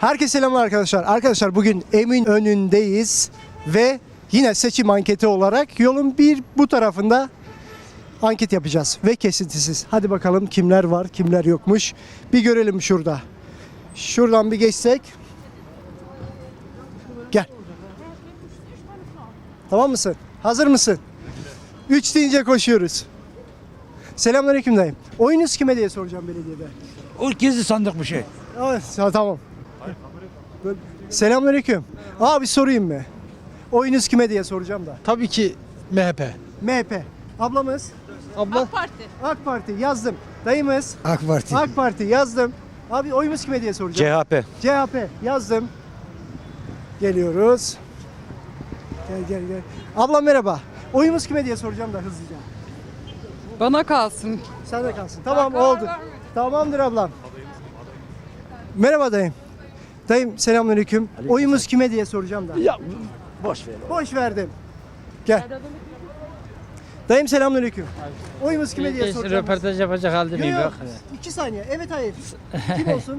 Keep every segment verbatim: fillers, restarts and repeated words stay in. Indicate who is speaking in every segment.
Speaker 1: Herkese selamlar arkadaşlar. Arkadaşlar bugün Eminönü'ndeyiz ve yine seçim anketi olarak yolun bir bu tarafında anket yapacağız ve kesintisiz. Hadi bakalım kimler var, kimler yokmuş. Bir görelim şurada. Şuradan bir geçsek. Gel. Tamam mısın? Hazır mısın? Üç deyince koşuyoruz. Selamünaleyküm dayım. Oyunuz kime diye soracağım belediyede.
Speaker 2: O gizli sandık bir şey.
Speaker 1: Evet, ha, tamam. Selamünaleyküm. Abi sorayım mı? Oyunuz kime diye soracağım da.
Speaker 3: Tabii ki M H P.
Speaker 1: M H P. Ablamız?
Speaker 3: Abla?
Speaker 4: AK Parti.
Speaker 1: AK Parti yazdım. Dayımız?
Speaker 3: AK Parti.
Speaker 1: AK Parti yazdım. Abi oyumuz kime diye soracağım.
Speaker 2: C H P.
Speaker 1: C H P yazdım. Geliyoruz. Gel gel gel. Ablam merhaba. Oyumuz kime diye soracağım da hızlıca.
Speaker 4: Bana kalsın.
Speaker 1: Sen de kalsın. Tamam oldu. Tamamdır ablam. Merhaba dayım. Dayım selamünaleyküm. Oyumuz kime diye soracağım da.
Speaker 2: Ya boş ver.
Speaker 1: Boş verdim. Gel. Dayım selamünaleyküm. Oyumuz kime diye soracağım.
Speaker 5: Röportaj yapacak halde
Speaker 1: Yok
Speaker 5: miyim?
Speaker 1: yok.
Speaker 5: Yok.
Speaker 1: İki saniye. Evet hayır. Kim olsun?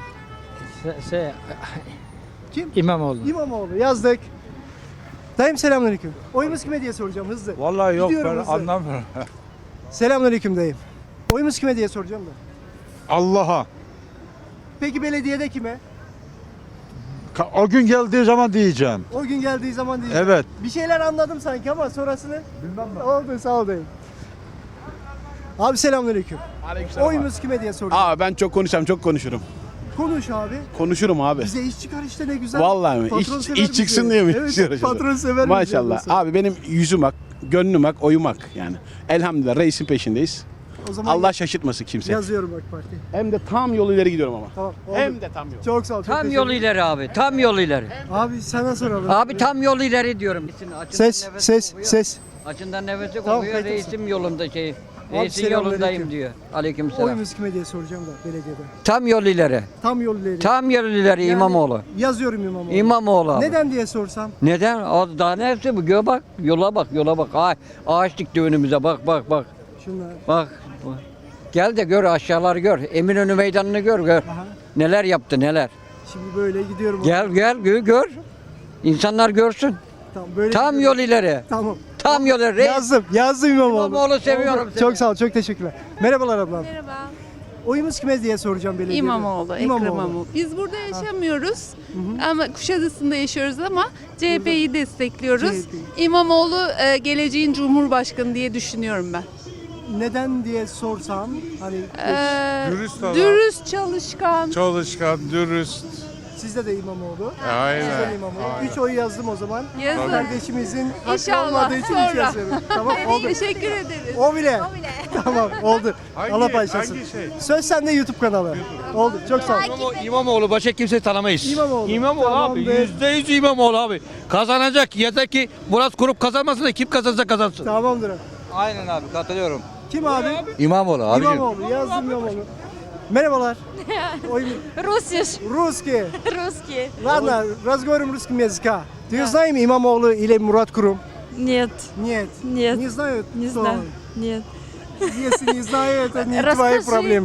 Speaker 5: Se- Şey,
Speaker 1: Kim?
Speaker 5: İmamoğlu.
Speaker 1: İmamoğlu yazdık. Dayım selamünaleyküm. Oyumuz kime diye soracağım hızlı.
Speaker 2: Vallahi yok
Speaker 1: Gidiyorum
Speaker 2: ben
Speaker 1: hızlı.
Speaker 2: anlamıyorum.
Speaker 1: Selamünaleyküm dayım. Oyumuz kime diye soracağım da.
Speaker 2: Allah'a.
Speaker 1: Peki belediyede kime?
Speaker 2: Ka- O gün geldiği zaman diyeceğim.
Speaker 1: O gün geldiği zaman diyeceğim.
Speaker 2: Evet.
Speaker 1: Bir şeyler anladım sanki ama sonrasını bilmem ben. Oldu sağ ol dayım. Abi selamünaleyküm.
Speaker 6: Aleykümselam.
Speaker 1: Oyumuz kime diye soracağım.
Speaker 6: Aa ben çok konuşacağım, çok konuşurum.
Speaker 1: Konuş abi.
Speaker 6: Konuşurum abi.
Speaker 1: Bize iş çıkar işte ne güzel.
Speaker 6: Vallahi mi?
Speaker 1: Patron
Speaker 6: İş,
Speaker 1: sever
Speaker 6: iş
Speaker 1: bizi.
Speaker 6: çıksın diye mi?
Speaker 1: Evet,
Speaker 6: istiyoruz?
Speaker 1: patron sever bizi
Speaker 6: Maşallah.
Speaker 1: yoksa.
Speaker 6: Abi benim yüzüm ak, gönlüm ak, oyum ak yani. Elhamdülillah reisin peşindeyiz.
Speaker 1: O zaman
Speaker 6: Allah şaşırtmasın kimse.
Speaker 1: yazıyorum AK Parti.
Speaker 6: Hem de tam yol ileri gidiyorum ama.
Speaker 1: Tamam. oldu.
Speaker 6: Hem de tam yol.
Speaker 1: Çok sağ ol. çok
Speaker 5: Tam
Speaker 1: teşekkür
Speaker 5: yol
Speaker 1: ederim.
Speaker 5: ileri abi. Tam yol ileri.
Speaker 1: Abi sana soralım.
Speaker 5: Abi tam yol ileri diyorum. Açından
Speaker 1: Ses
Speaker 5: nefesi
Speaker 1: ses
Speaker 5: kokuyor.
Speaker 1: ses.
Speaker 5: Açından nefesi
Speaker 1: Tamam,
Speaker 5: kokuyor.
Speaker 1: kayıt
Speaker 5: Reisim yolunda şey. Reisin
Speaker 1: selamünaleyküm.
Speaker 5: yolundayım diyor. Aleykümselam.
Speaker 1: Oyumuz kime diye soracağım da belediyede.
Speaker 5: Tam yol ileri.
Speaker 1: Tam yol ileri.
Speaker 5: Tam yol ileri
Speaker 1: Yani
Speaker 5: İmamoğlu.
Speaker 1: Yazıyorum İmamoğlu.
Speaker 5: İmamoğlu abi.
Speaker 1: Neden diye sorsam.
Speaker 5: Neden? O daha ne hepsi bu? Gö bak. Yola bak, yola bak. Ay, ağaç dikti önümüze. Bak, bak, bak.
Speaker 1: Şunlar.
Speaker 5: Bak. bak. Gel de gör aşağıları gör. Eminönü meydanını gör, gör.
Speaker 1: Aha.
Speaker 5: Neler yaptı, neler.
Speaker 1: Şimdi böyle gidiyorum.
Speaker 5: Gel, gel, gö- gör. İnsanlar görsün.
Speaker 1: Tamam, böyle
Speaker 5: Tam
Speaker 1: gidiyorum.
Speaker 5: yol ileri.
Speaker 1: Tamam.
Speaker 5: Tam yol ileri.
Speaker 1: Yazdım. Yazdım İmamoğlu.
Speaker 5: İmamoğlu seviyorum
Speaker 1: Oldu.
Speaker 5: seni.
Speaker 1: Çok sağ ol. Çok teşekkürler. Merhabalar ablam.
Speaker 7: Merhaba.
Speaker 1: Oyumuz kime diye soracağım belediyede.
Speaker 7: İmamoğlu, Ekrem İmamoğlu. Biz burada yaşamıyoruz ama Kuşadası'nda yaşıyoruz ama C H P'yi destekliyoruz.
Speaker 1: C H P'yi.
Speaker 7: İmamoğlu e, geleceğin Cumhurbaşkanı diye düşünüyorum ben.
Speaker 1: Neden diye sorsam hani
Speaker 7: Ee,
Speaker 8: Dürüst adam.
Speaker 7: dürüst, çalışkan.
Speaker 8: Çalışkan, dürüst.
Speaker 1: sizde de İmamoğlu.
Speaker 8: Aynen.
Speaker 1: Sizde de İmamoğlu. Üç oy yazdım o zaman.
Speaker 7: Yazın.
Speaker 1: Kardeşimizin hakkı
Speaker 7: İnşallah,
Speaker 1: olmadığı için üç
Speaker 7: sonra.
Speaker 1: yazıyorum. Tamam oldu.
Speaker 7: Teşekkür ederiz.
Speaker 1: O bile. Tamam oldu.
Speaker 8: Hangi-
Speaker 1: Allah paylaşsın.
Speaker 8: hangi şey?
Speaker 1: Söz sende YouTube kanalı. Oldu. Çok sağ ol.
Speaker 9: İmamoğlu başka kimse tanımayız.
Speaker 1: İmamoğlu.
Speaker 9: İmamoğlu abi.
Speaker 1: Tamamdır.
Speaker 9: Yüzde yüz İmamoğlu abi. Kazanacak. Yeter ki Murat Kurup kazanmasın da kim kazansa kazansın.
Speaker 1: Tamamdır.
Speaker 9: Aynen abi katılıyorum.
Speaker 1: Kim abi?
Speaker 9: İmamoğlu abicim.
Speaker 1: İmamoğlu. Yazdım İmamoğlu. Merhabalar. Ой,
Speaker 4: Russisch.
Speaker 1: Русские.
Speaker 4: Русские.
Speaker 1: Ладно, разговариваем русским языка. Ты знаешь Имамоğlu или Murat Kurum?
Speaker 4: Нет,
Speaker 1: Нет.
Speaker 4: Нет.
Speaker 1: Не знают?
Speaker 4: не
Speaker 1: кто
Speaker 4: знаю.
Speaker 1: он?
Speaker 4: Нет.
Speaker 1: Если не знаю, это не
Speaker 4: Расскажи.
Speaker 1: твои проблемы.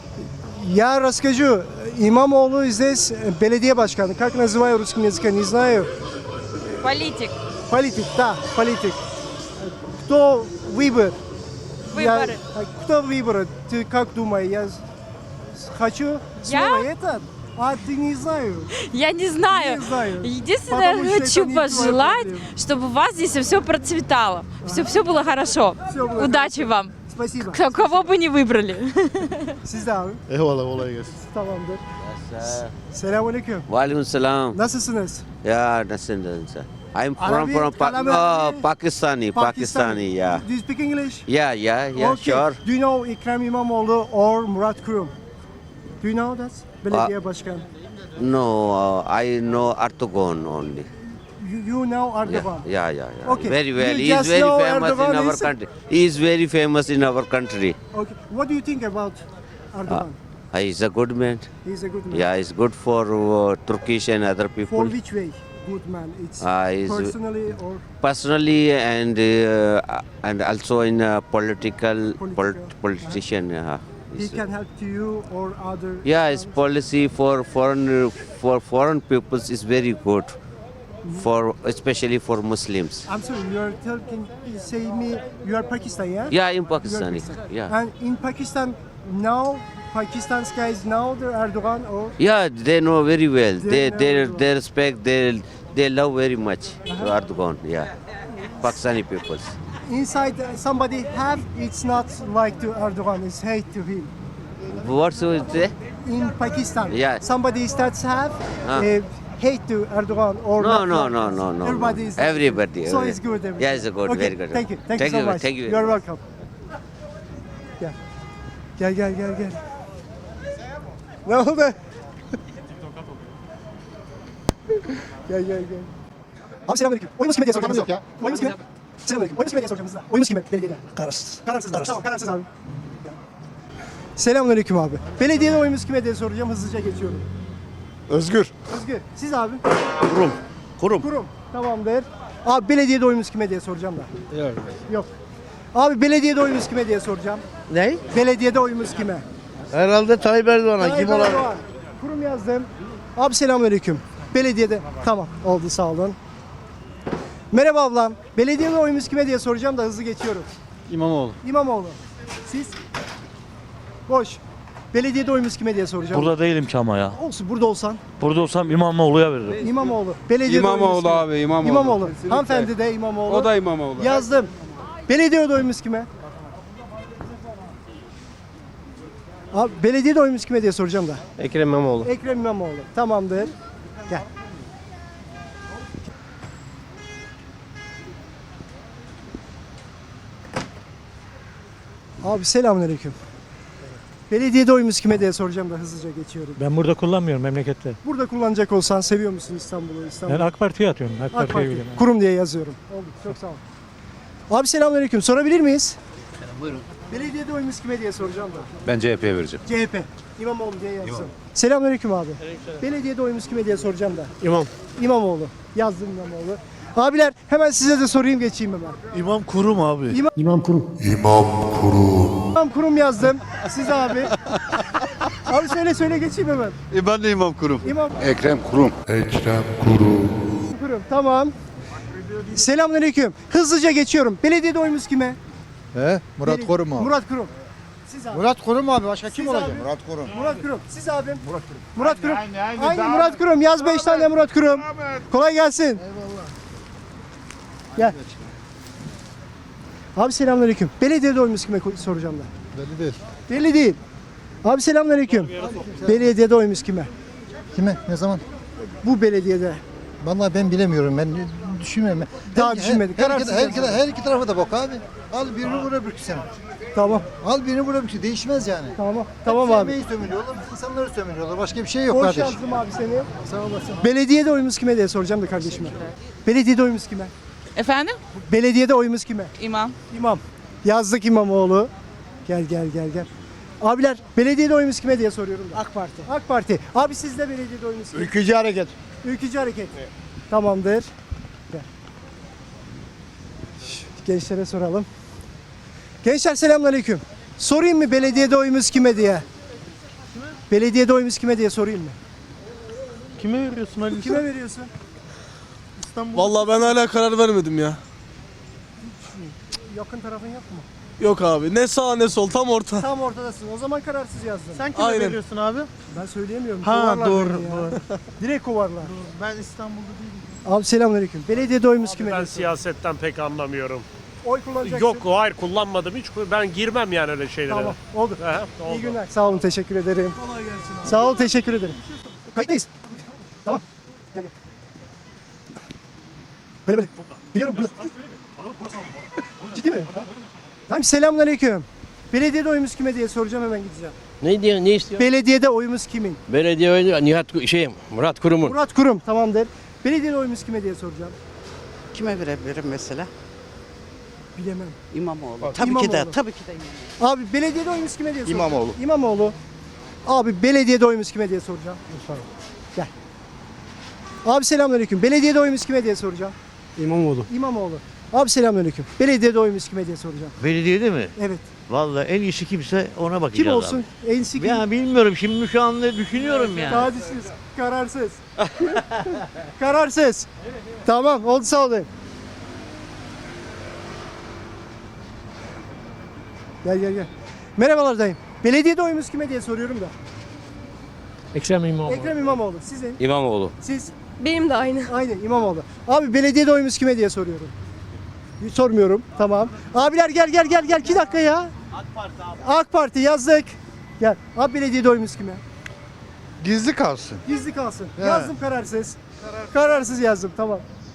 Speaker 1: Я расскажу. Имамоğlu здесь беледия başkanı. Как называю русским языком, не знаю.
Speaker 4: Политик.
Speaker 1: Политик, да, политик. Кто выбор? Я-
Speaker 4: Выборы.
Speaker 1: Кто выбор? Ты как думаешь? Я хочу слово это, а ты не знаю.
Speaker 4: Я не знаю.
Speaker 1: Не знаю.
Speaker 4: Единственное,
Speaker 1: Потому что это
Speaker 4: хочу
Speaker 1: не твоя
Speaker 4: пожелать,
Speaker 1: проблема.
Speaker 4: чтобы у вас здесь все процветало. Все, все было хорошо.
Speaker 1: Всё было
Speaker 4: Удачи
Speaker 1: хорошо.
Speaker 4: вам.
Speaker 1: Спасибо.
Speaker 4: Кто- Кого бы не vıbrали.
Speaker 1: Siz de abi.
Speaker 3: Eyvallah kolay gelsin.
Speaker 1: Tamamdır. Selamünaleyküm.
Speaker 10: Walaikum salam.
Speaker 1: Nasılsınız?
Speaker 10: Yeah, nasılsın sen? I'm from
Speaker 1: Arabic,
Speaker 10: from pa-
Speaker 1: Kalame-
Speaker 10: oh, Pakistani, Pakistani, yeah.
Speaker 1: Do you speak English?
Speaker 10: Yeah, yeah, yeah,
Speaker 1: Okay.
Speaker 10: sure.
Speaker 1: Do you know Ekrem İmamoğlu or Murat Kurum? Do you know that? Belediye başkanı.
Speaker 10: No, uh, I know Erdogan only.
Speaker 1: You, you know
Speaker 10: Yeah,
Speaker 1: Erdogan.
Speaker 10: yeah, yeah, yeah.
Speaker 1: Okay.
Speaker 10: Very well.
Speaker 1: You
Speaker 10: He is
Speaker 1: just
Speaker 10: very
Speaker 1: know
Speaker 10: famous
Speaker 1: Erdogan
Speaker 10: in our
Speaker 1: is-
Speaker 10: country. He is very famous in our country.
Speaker 1: Okay. What do you think about Erdogan?
Speaker 10: Uh, he is a good man.
Speaker 1: He's a good man.
Speaker 10: Yeah, he's good for uh, Turkish and other
Speaker 1: For
Speaker 10: people.
Speaker 1: which way? Good man. It's
Speaker 10: Uh, he's-
Speaker 1: personally or
Speaker 10: Personally and uh, and also in uh, political,
Speaker 1: Political,
Speaker 10: polit- politician. Uh,
Speaker 1: he
Speaker 10: It's-
Speaker 1: can help to you or other?
Speaker 10: Yeah, his policy for foreign for foreign peoples is very good, for especially for Muslims.
Speaker 1: I'm sorry, you are talking, say me, you are Pakistan, yeah?
Speaker 10: Yeah, in
Speaker 1: You are
Speaker 10: Pakistani.
Speaker 1: Pakistan.
Speaker 10: Yeah,
Speaker 1: And in Pakistan now, Pakistan's guys now the Erdogan or
Speaker 10: yeah, they know very well.
Speaker 1: They
Speaker 10: They
Speaker 1: know
Speaker 10: they
Speaker 1: very well.
Speaker 10: they respect. They they love very much Erdogan. Yeah, Pakistani peoples.
Speaker 1: inside uh, somebody have, it's not like to Erdogan, it's hate to him.
Speaker 10: What's it?
Speaker 1: In Pakistan,
Speaker 10: Yeah.
Speaker 1: somebody starts have
Speaker 10: Huh.
Speaker 1: uh, hate to Erdogan or
Speaker 10: No,
Speaker 1: not
Speaker 10: no,
Speaker 1: like
Speaker 10: no,
Speaker 1: this.
Speaker 10: no, no.
Speaker 1: Everybody
Speaker 10: no.
Speaker 1: is
Speaker 10: Everybody.
Speaker 1: So
Speaker 10: everybody.
Speaker 1: it's good. Everybody.
Speaker 10: Yeah, it's good.
Speaker 1: Okay,
Speaker 10: Very good.
Speaker 1: Thank you. Thank,
Speaker 10: Thank
Speaker 1: you so
Speaker 10: you,
Speaker 1: much.
Speaker 10: thank you very
Speaker 1: You're
Speaker 10: much.
Speaker 1: welcome. Gel. Gel gel gel gel. Ne oldu? Gel gel gel. Abi selamünaleyküm. Oyumuz kime diye soracağım. Yok ya. Oyumuz kime? Selamünaleyküm. Oyumuz kime diye soracağım size. Oyumuz kime? Belediyede. Kararsız. Kararsız. Kararsız. Tamam kararsız abi. Selamünaleyküm abi. Belediyede oyumuz kime diye soracağım. Hızlıca geçiyorum.
Speaker 3: Özgür.
Speaker 1: Özgür. Siz abi.
Speaker 3: Kurum. Kurum.
Speaker 1: Kurum. Tamamdır. Abi belediyede oyumuz kime diye soracağım da.
Speaker 3: Yok.
Speaker 1: Yok. Abi belediyede oyumuz kime diye soracağım.
Speaker 8: Ne?
Speaker 1: Belediyede oyumuz kime?
Speaker 8: Herhalde Tayyip Erdoğan'a kim
Speaker 1: Tayyip
Speaker 8: olabilir?
Speaker 1: Erdoğan. Kurum yazdım. Abi selamünaleyküm. Belediyede. Tamam oldu sağ olun. Merhaba ablam. Belediyede oyumuz kime diye soracağım da hızlı geçiyorum.
Speaker 2: İmamoğlu.
Speaker 1: İmamoğlu. Siz? Boş. Belediyede oyumuz kime diye soracağım.
Speaker 11: Burada değilim ki ama ya.
Speaker 1: Olsun burada olsan.
Speaker 11: Burada olsam İmamoğlu'ya veririm.
Speaker 1: İmamoğlu. Belediyede oyumuz
Speaker 6: İmamoğlu
Speaker 1: kime?
Speaker 6: abi İmamoğlu.
Speaker 1: İmamoğlu.
Speaker 6: Kesinlikle.
Speaker 1: Hanımefendi de İmamoğlu.
Speaker 6: O da İmamoğlu.
Speaker 1: Yazdım. Belediyede oyumuz kime? Abi belediyede oyumuz kime diye soracağım da.
Speaker 8: Ekrem İmamoğlu.
Speaker 1: Ekrem İmamoğlu. Tamamdır. Gel. Abi selamünaleyküm. Belediyede oyumuz kime diye soracağım da hızlıca geçiyorum.
Speaker 11: Ben burada kullanmıyorum memlekette.
Speaker 1: Burada kullanacak olsan seviyor musun İstanbul'u? İstanbul.
Speaker 11: Ben AK Parti'ye atıyorum. AK,
Speaker 1: AK
Speaker 11: Parti'ye
Speaker 1: Parti.
Speaker 11: biliyorum.
Speaker 1: Kurum diye yazıyorum. Oldu. Çok sağ ol. Abi selamünaleyküm. Sorabilir miyiz?
Speaker 8: Buyurun.
Speaker 1: Belediyede oyumuz kime diye soracağım da.
Speaker 3: Ben C H P'ye vereceğim.
Speaker 1: C H P. İmamoğlu diye yazsın. Selamünaleyküm abi. Belediyede oyumuz kime diye soracağım da.
Speaker 8: İmam.
Speaker 1: İmamoğlu. Yazdım İmamoğlu. Abiler hemen size de sorayım geçeyim hemen.
Speaker 11: İmam Kurum abi.
Speaker 1: İmam,
Speaker 8: İmam Kurum.
Speaker 1: İmam Kurum yazdım. Siz abi. Abi söyle söyle geçeyim hemen.
Speaker 2: E ben de İmam Kurum.
Speaker 1: İmam
Speaker 3: Ekrem Kurum.
Speaker 1: Kurum. Tamam. Selamünaleyküm. Hızlıca geçiyorum. Belediyede oyumuz kime?
Speaker 3: He? Murat
Speaker 1: Beledi-
Speaker 3: Kurum abi.
Speaker 1: Murat Kurum. Siz abi.
Speaker 3: Murat Kurum abi. Başka kim
Speaker 1: Siz
Speaker 3: olacak?
Speaker 1: abi.
Speaker 3: Murat Kurum.
Speaker 1: Murat Kurum. Siz abim. Murat Kurum. Murat Kurum.
Speaker 3: Aynı, aynı,
Speaker 1: Aynı
Speaker 3: daha-
Speaker 1: Murat Kurum. Yaz beş tane Murat Kurum. Kolay gelsin. Eyvallah. Gel. Abi selamünaleyküm. Belediyede oyumuz kime ko- soracağım da.
Speaker 3: Belli değil.
Speaker 1: Belli değil. Abi selamünaleyküm. Belediyede oyumuz kime?
Speaker 3: Kime? Ne zaman?
Speaker 1: Bu belediyede.
Speaker 3: Vallahi ben bilemiyorum. Ben düşünmüyorum.
Speaker 1: Daha
Speaker 3: Her-
Speaker 1: düşünmedik.
Speaker 3: Her,
Speaker 1: Kararsız
Speaker 3: her, her,
Speaker 1: yazalım.
Speaker 3: her iki tarafa da bak abi. Al birini vur öbürkü sen.
Speaker 1: Tamam.
Speaker 3: Al birini vur öbürkü. Değişmez yani.
Speaker 1: Tamam. Tamam abi.
Speaker 3: Sevmeyi sömürüyorlar, insanları sömürüyorlar. Başka bir şey yok
Speaker 1: Hoş
Speaker 3: kardeş.
Speaker 1: yazdım abi seni.
Speaker 3: Sağ olasın.
Speaker 1: Belediyede oyumuz kime diye soracağım da kardeşime. Belediyede oyumuz kime?
Speaker 7: Efendim?
Speaker 1: Belediyede oyumuz kime?
Speaker 7: İmam.
Speaker 1: İmam. Yazdık İmamoğlu. Gel gel gel gel. Abiler belediyede oyumuz kime diye soruyorum da. AK Parti. AK Parti. Abi sizde belediyede oyumuz kime?
Speaker 3: Ülkücü hareket.
Speaker 1: Ülkücü Hareket. Tamamdır. Gel. Şş, Gençlere soralım. Gençler selamünaleyküm. Sorayım mı belediyede oyumuz kime diye? Belediyede oyumuz kime diye sorayım mı?
Speaker 11: Kime veriyorsun Ali?
Speaker 1: Kime veriyorsun? İstanbul.
Speaker 6: Vallahi ben hala karar vermedim ya.
Speaker 1: Yakın tarafın yok mu?
Speaker 6: Yok abi ne sağ ne sol tam orta.
Speaker 1: Tam ortadasın. O zaman kararsız yazdın.
Speaker 11: Sen kime
Speaker 6: Aynen.
Speaker 11: veriyorsun abi?
Speaker 1: Ben söyleyemiyorum.
Speaker 11: Ha,
Speaker 1: Kovarlar
Speaker 11: doğru,
Speaker 1: beni ya.
Speaker 11: doğru.
Speaker 1: Direkt kovarlar.
Speaker 11: Ben İstanbul'da değilim.
Speaker 1: Abi selamünaleyküm. Belediyede oyumuz kime?
Speaker 9: Ben
Speaker 1: diye
Speaker 9: siyasetten pek anlamıyorum.
Speaker 1: Oy kullanacaksın.
Speaker 9: Yok hayır kullanmadım hiç. Ben girmem yani öyle şeylere.
Speaker 1: Tamam. Oldu.
Speaker 9: He,
Speaker 1: İyi
Speaker 9: oldu.
Speaker 1: günler. Sağ olun. Teşekkür ederim. Kolay gelsin. Sağ ol. Teşekkür ederim. Kayıttayız. Tamam. Gel, gel. Böyle böyle. Biliyorum. Böyle. Ciddi mi? Tamam. Selamünaleyküm. Belediyede oyumuz kime diye soracağım hemen gideceğim.
Speaker 8: Ne diyor? Ne istiyor?
Speaker 1: Belediyede oyumuz kimin?
Speaker 8: Belediye oyunu Nihat şey Murat Kurum'un.
Speaker 1: Murat Kurum. Tamamdır. Belediyede oyumuz kime diye soracağım.
Speaker 12: Kime verebilirim mesela?
Speaker 1: Bilemem.
Speaker 12: İmamoğlu. Tabii ki de,
Speaker 1: İmamoğlu.
Speaker 12: tabii ki de İmamoğlu.
Speaker 1: Abi belediyede oyumuz kime diye soracağım.
Speaker 3: İmamoğlu.
Speaker 1: İmamoğlu. Abi belediyede oyumuz kime diye soracağım. Gel. Abi selamünaleyküm. Belediyede oyumuz kime diye soracağım.
Speaker 11: İmamoğlu.
Speaker 1: İmamoğlu. Abi selamünaleyküm. Belediyede oyumuz kime diye soracağım.
Speaker 11: Belediyede mi?
Speaker 1: Evet.
Speaker 11: Vallahi en iyisi kimse ona bakacağız
Speaker 1: Kim olsun? En
Speaker 11: abi.
Speaker 1: sıkı.
Speaker 11: Ya bilmiyorum şimdi şu anda düşünüyorum yani.
Speaker 1: Tadisiz, kararsız. Kararsız. Tamam, oldu sağ olun. Gel gel gel. Merhabalar dayım. Belediyede oyumuz kime diye soruyorum da.
Speaker 8: Ekrem İmamoğlu.
Speaker 1: Ekrem İmamoğlu. Sizin?
Speaker 8: İmamoğlu.
Speaker 1: Siz?
Speaker 4: Benim de aynı.
Speaker 1: Aynı İmamoğlu. Abi belediyede oyumuz kime diye soruyorum. Sormuyorum. Tamam. Abiler gel gel gel gel. iki dakika ya. AK Parti abi. AK Parti yazdık. Gel. Abi belediyede oyumuz kime?
Speaker 2: Gizli kalsın.
Speaker 1: Gizli kalsın.
Speaker 2: He.
Speaker 1: Yazdım kararsız. Kararsız yazdım. Tamam.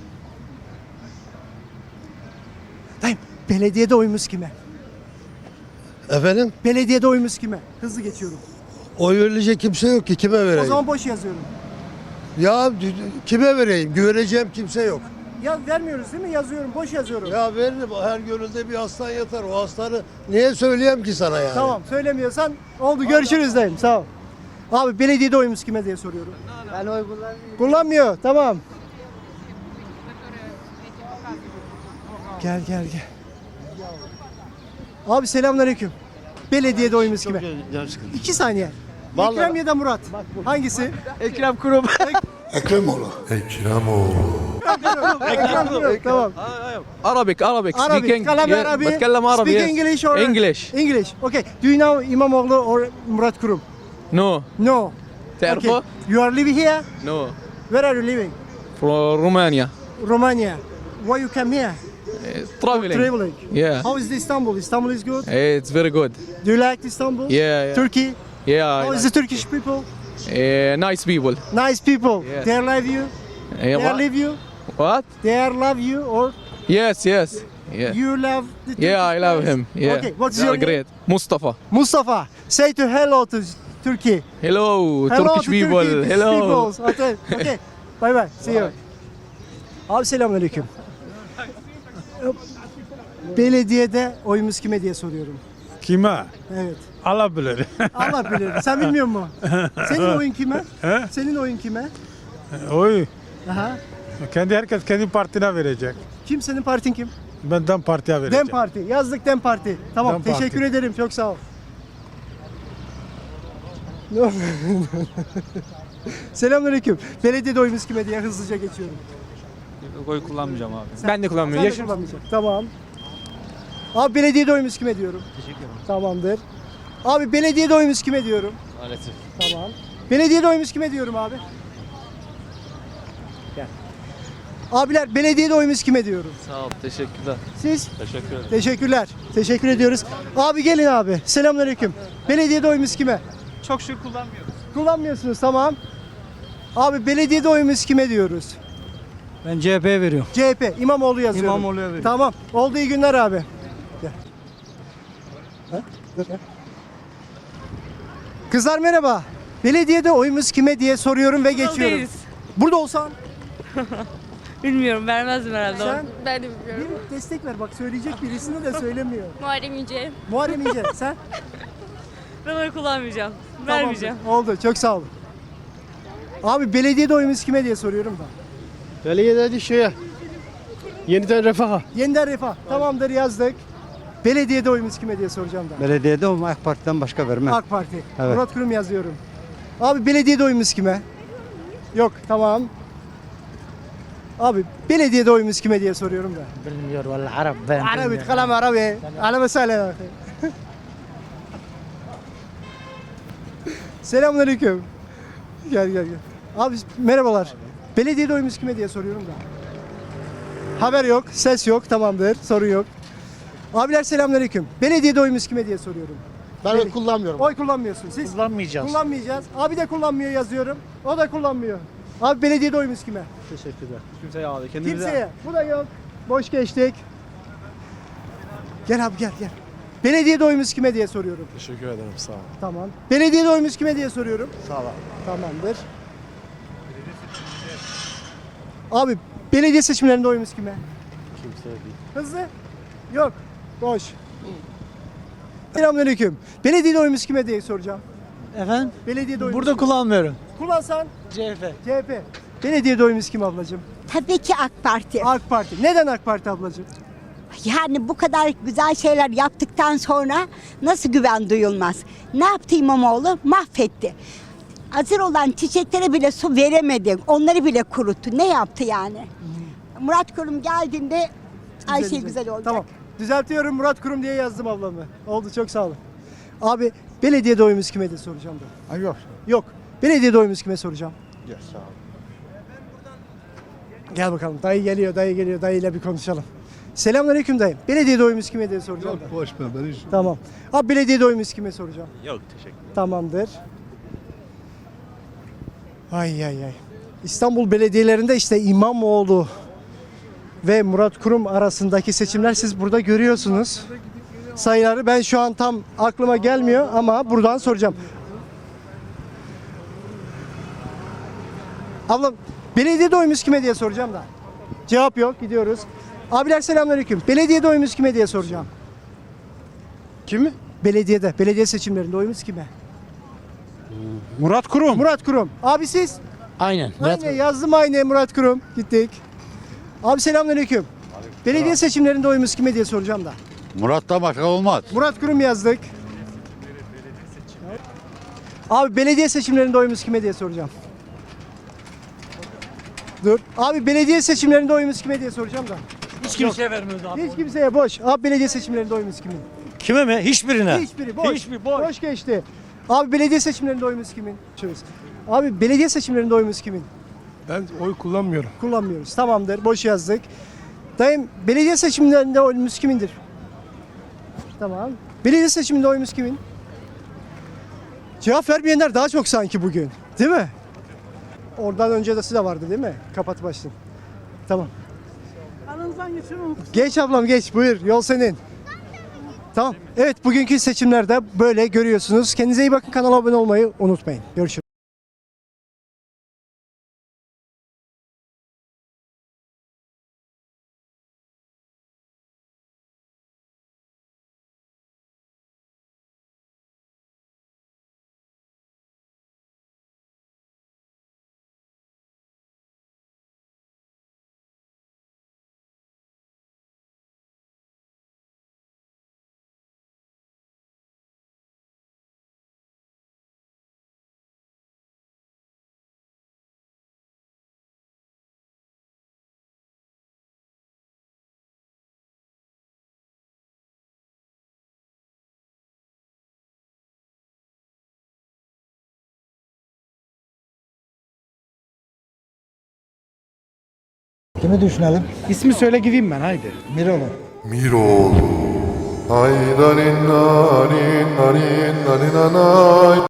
Speaker 1: Dayım belediyede oyumuz kime?
Speaker 11: Efendim?
Speaker 1: Belediyede oyumuz kime? Hızlı geçiyorum.
Speaker 11: Oy verilecek kimse yok ki kime
Speaker 1: O
Speaker 11: vereyim?
Speaker 1: zaman boş yazıyorum.
Speaker 11: Ya kime vereyim? Güveneceğim kimse yok.
Speaker 1: Ya vermiyoruz değil mi? Yazıyorum. Boş yazıyorum.
Speaker 11: Ya veririm her gönülde bir aslan yatar. O aslanı niye söyleyeyim ki sana yani?
Speaker 1: Tamam. Söylemiyorsan oldu. Görüşürüz dayım. Sağ ol. Abi belediyede oyumuz kime diye soruyorum.
Speaker 12: Ben oy kullanmıyorum.
Speaker 1: Kullanmıyor. Tamam. Gel gel gel. Abi selamünaleyküm. Belediyede oyumuz kime? İki saniye. Ekrem ya da Murat. Hangisi?
Speaker 2: Ekrem Kurum.
Speaker 11: Ekremoğlu.
Speaker 1: Ekrem Kurum. Tamam.
Speaker 9: Arabic, Arabic.
Speaker 1: Arabic. Kalam Arabi.
Speaker 9: بتكلم عربي.
Speaker 1: Speak English or
Speaker 9: English.
Speaker 1: English. Okay. Do you know İmamoğlu or Murat Kurum?
Speaker 9: No.
Speaker 1: No.
Speaker 9: تعرفه؟
Speaker 1: Okay. You are living here?
Speaker 9: No.
Speaker 1: Where are you living?
Speaker 9: From Romania.
Speaker 1: Romania. Why you come here?
Speaker 9: Traveling.
Speaker 1: Traveling.
Speaker 9: Yeah.
Speaker 1: How is the Istanbul? Istanbul is good.
Speaker 9: It's very good.
Speaker 1: Do you like Istanbul?
Speaker 9: Yeah, yeah.
Speaker 1: Turkey.
Speaker 9: Yeah.
Speaker 1: How is the Turkish people?
Speaker 9: Uh, nice people.
Speaker 1: Nice people.
Speaker 9: Yes.
Speaker 1: They love you.
Speaker 9: Uh,
Speaker 1: They
Speaker 9: what?
Speaker 1: love you.
Speaker 9: What?
Speaker 1: They love you or
Speaker 9: Yes, yes. Yeah.
Speaker 1: you love the Turkish
Speaker 9: Yeah, I love
Speaker 1: guys?
Speaker 9: him. Yeah.
Speaker 1: Okay. What's
Speaker 9: They
Speaker 1: your
Speaker 9: are
Speaker 1: name?
Speaker 9: great. Mustafa.
Speaker 1: Mustafa. Say to hello to Turkey.
Speaker 9: Hello,
Speaker 1: Hello
Speaker 9: Turkish
Speaker 1: to
Speaker 9: people.
Speaker 1: Turkey,
Speaker 9: Hello.
Speaker 1: peoples. Okay. Okay. Bye bye. See you. Abi selamünaleyküm. Belediyede oyumuz kime diye soruyorum.
Speaker 2: Kime?
Speaker 1: Evet.
Speaker 2: Allah bilir.
Speaker 1: Allah bilir. Sen bilmiyor musun? Senin oyun kime? Senin oyun kime?
Speaker 2: Oy.
Speaker 1: Aha.
Speaker 2: Kendi herkes kendi partine verecek.
Speaker 1: Kim senin partin kim?
Speaker 2: Ben Dem Parti'ye vereceğim.
Speaker 1: Dem Parti. Yazdık Dem Parti. Tamam.
Speaker 2: Dem Parti.
Speaker 1: Teşekkür ederim. Çok sağ ol. Selamünaleyküm. Belediyede oyumuz kime diye hızlıca geçiyorum.
Speaker 9: Oy kullanmayacağım abi.
Speaker 1: Sen-
Speaker 9: Ben de kullanmıyorum.
Speaker 1: Sen de
Speaker 9: Yaşım
Speaker 1: kullanmayacaksın. Tamam. Abi belediyede oyumuz kime diyorum?
Speaker 8: Teşekkür ederim.
Speaker 1: Tamamdır. Abi belediyede oyumuz kime diyorum?
Speaker 8: Maalesef.
Speaker 1: Tamam. Belediyede oyumuz kime diyorum abi? Gel. Abiler belediyede oyumuz kime diyorum?
Speaker 8: Sağ ol. Teşekkürler.
Speaker 1: Siz?
Speaker 8: Teşekkür ederim.
Speaker 1: Teşekkürler. Teşekkür ediyoruz. Abi gelin abi. Selamünaleyküm. Belediyede oyumuz kime?
Speaker 9: çok şükür kullanmıyorum.
Speaker 1: Kullanmıyorsunuz tamam. Abi belediyede oyumuz kime diyoruz?
Speaker 11: Ben C H P'ye veriyorum.
Speaker 1: C H P. İmamoğlu yazıyorum.
Speaker 11: İmamoğlu'ya veriyorum.
Speaker 1: Tamam. Oldu iyi günler abi. Gel. Ha? Dur, gel. Kızlar merhaba. Belediyede oyumuz kime diye soruyorum ve geçiyorum.
Speaker 4: Değiliz.
Speaker 1: Burada olsan
Speaker 4: Bilmiyorum, vermezdim herhalde.
Speaker 1: sen
Speaker 4: Ben de bilmiyorum.
Speaker 1: bir destek ver. Bak söyleyecek birisini de söylemiyor.
Speaker 4: Muharrem İnce.
Speaker 1: Muharrem İnce sen?
Speaker 4: Ben oy kullanmayacağım.
Speaker 1: Tamamdır.
Speaker 4: Vermeyeceğim.
Speaker 1: Oldu. Çok sağ olun. Abi belediyede oyumuz kime diye soruyorum da.
Speaker 8: Belediyede şeye. Yeniden refaha.
Speaker 1: Yeniden Refah. Tamamdır yazdık. Belediyede oyumuz kime diye soracağım da.
Speaker 12: Belediyede olma AK Parti'den başka vermem.
Speaker 1: AK Parti.
Speaker 12: Evet.
Speaker 1: Murat Kurum yazıyorum. Abi belediyede oyumuz kime? Yok tamam. Abi belediyede oyumuz kime diye soruyorum da.
Speaker 11: Bilmiyorum valla Arap ben.
Speaker 1: Arabi, kalam Arabi. Ala mesele. Selamünaleyküm. Gel gel gel. Abi merhabalar. Belediyede oyumuz kime diye soruyorum da. Haber yok, ses yok, tamamdır, sorun yok. Abiler selamünaleyküm. Belediyede oyumuz kime diye soruyorum.
Speaker 8: Ben
Speaker 1: Beli-
Speaker 8: oy kullanmıyorum.
Speaker 1: Oy kullanmıyorsun siz.
Speaker 11: Kullanmayacağız.
Speaker 1: Kullanmayacağız. Abi de kullanmıyor yazıyorum. O da kullanmıyor. Abi belediyede oyumuz kime?
Speaker 8: Teşekkürler. Kimseye abi. Kendinize.
Speaker 1: Kimseye. Bu da yok. Boş geçtik. Gel abi gel gel. Belediyede oyumuz kime diye soruyorum.
Speaker 8: Teşekkür ederim. Sağ ol.
Speaker 1: Tamam. Belediyede oyumuz kime diye soruyorum.
Speaker 8: Sağ ol.
Speaker 1: Tamamdır. Abi belediye seçimlerinde oyumuz kime?
Speaker 8: Kimseye değil.
Speaker 1: Hızlı. Yok. Boş. Selamünaleyküm. Belediyede oyumuz kime diye soracağım.
Speaker 11: Efendim?
Speaker 1: Belediyede oyumuz
Speaker 11: Burada
Speaker 1: kime?
Speaker 11: kullanmıyorum.
Speaker 1: Kullansan
Speaker 11: C H P.
Speaker 1: C H P. Belediyede oyumuz kim ablacığım?
Speaker 13: Tabii ki AK Parti.
Speaker 1: AK Parti. Neden AK Parti ablacığım?
Speaker 13: Yani bu kadar güzel şeyler yaptıktan sonra nasıl güven duyulmaz? Ne yaptı İmamoğlu? Mahvetti. Hazır olan çiçeklere bile su veremedi. Onları bile kuruttu. Ne yaptı yani? Murat Kurum geldiğinde her şey
Speaker 1: Düzelecek.
Speaker 13: güzel olacak.
Speaker 1: Tamam. Düzeltiyorum, Murat Kurum diye yazdım ablamı. Oldu, çok sağ olun. Abi belediyede oyumuz kime diye soracağım da.
Speaker 2: Ha, yok.
Speaker 1: Yok. Belediyede oyumuz kime soracağım?
Speaker 2: Yok sağ ol.
Speaker 1: Gel bakalım. Dayı geliyor, dayı geliyor. Dayıyla bir konuşalım. Selamünaleyküm dayı. Belediyede oyumuz kime diye soracağım da.
Speaker 11: Boş ver ben hiç.
Speaker 1: Tamam. Abi belediyede oyumuz kime soracağım?
Speaker 8: Yok teşekkür ederim.
Speaker 1: Tamamdır. Ay ay ay. İstanbul belediyelerinde işte İmamoğlu ve Murat Kurum arasındaki seçimler siz burada görüyorsunuz. Sayıları ben şu an tam aklıma gelmiyor ama buradan soracağım. Ablam belediyede oyumuz kime diye soracağım da. Cevap yok, gidiyoruz. Abiler selamünaleyküm. Belediyede oyumuz kime diye soracağım.
Speaker 2: Kimi?
Speaker 1: Belediyede, belediye seçimlerinde oyumuz kime?
Speaker 2: Murat Kurum.
Speaker 1: Murat Kurum. Abi siz?
Speaker 9: Aynen.
Speaker 1: Aynı yazdım aynı Murat Kurum. Gittik. Abi selamünaleyküm. Belediye seçimlerinde oyumuz kime diye soracağım da.
Speaker 2: Murat'tan başka olmaz.
Speaker 1: Murat Kurum yazdık. Abi belediye seçimlerinde oyumuz kime diye soracağım. Dur. Abi belediye seçimlerinde oyumuz kime diye soracağım da.
Speaker 9: Hiç kimseye vermiyoruz abi.
Speaker 1: Hiç kimseye boş. Abi belediye seçimlerinde oyumuz kimin?
Speaker 9: Kime mi? Hiçbirine.
Speaker 1: Hiçbiri boş.
Speaker 9: Hiçbir boş.
Speaker 1: Boş geçti. Abi belediye seçimlerinde oyumuz kimin? Şurası. Abi belediye seçimlerinde oyumuz kimin?
Speaker 8: Ben oy kullanmıyorum.
Speaker 1: Kullanmıyoruz. Tamamdır. Boş yazdık. Dayım belediye seçimlerinde oyumuz kimindir? Tamam. Belediye seçiminde oyumuz kimin? Cevap vermeyenler daha çok sanki bugün. Değil mi? Oradan önce de size vardı değil mi? Kapat başlayın. Tamam.
Speaker 7: Aranızdan geçiyorum.
Speaker 1: Geç ablam geç. Buyur. Yol senin. Tamam. Evet bugünkü seçimlerde böyle görüyorsunuz. Kendinize iyi bakın. Kanala abone olmayı unutmayın. Görüşürüz.
Speaker 3: Kimi düşünelim?
Speaker 8: İsmi söyle gideyim ben haydi.
Speaker 3: Miroğlu.
Speaker 11: Miroğlu. Haydarin narin narin narin nanay.